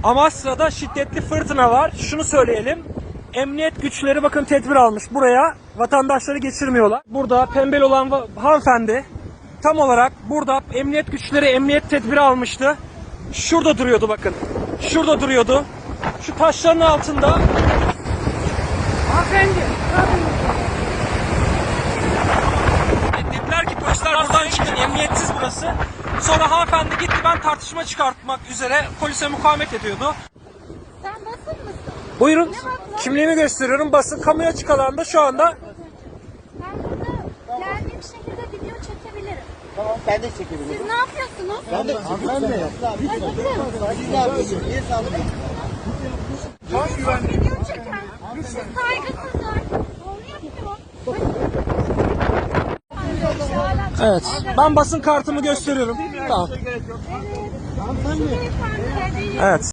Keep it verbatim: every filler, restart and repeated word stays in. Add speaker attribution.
Speaker 1: Amasra'da şiddetli fırtına var. Şunu söyleyelim. Emniyet güçleri bakın tedbir almış. Buraya vatandaşları geçirmiyorlar. Burada pembeli olan hanımefendi tam olarak burada emniyet güçleri emniyet tedbiri almıştı. Şurada duruyordu bakın. Şurada duruyordu. Şu taşların altında. Hanımefendi. Dediler ki polisler buradan çıkın. Emniyetsiz burası. Sonra hanımefendi gitti, ben tartışma çıkartmak üzere polise mukavemet ediyordu.
Speaker 2: Sen basın mısın?
Speaker 1: Buyurun. Kimliğimi gösteriyorum. Basın kamu açık alanda şu anda.
Speaker 2: Ben burada geldiğim şekilde video çekebilirim.
Speaker 3: Tamam, ben de çekebilirim.
Speaker 2: Siz ne yapıyorsunuz?
Speaker 3: Ben de çekebilirim. Siz ne yapıyorsunuz? Niye saldırıyorsunuz?
Speaker 2: Siz video çeken. Siz saygısızlar. Doğru yapıyor.
Speaker 1: Evet. Ben basın kartımı gösteriyorum. Tamam.
Speaker 2: Evet.
Speaker 1: Evet.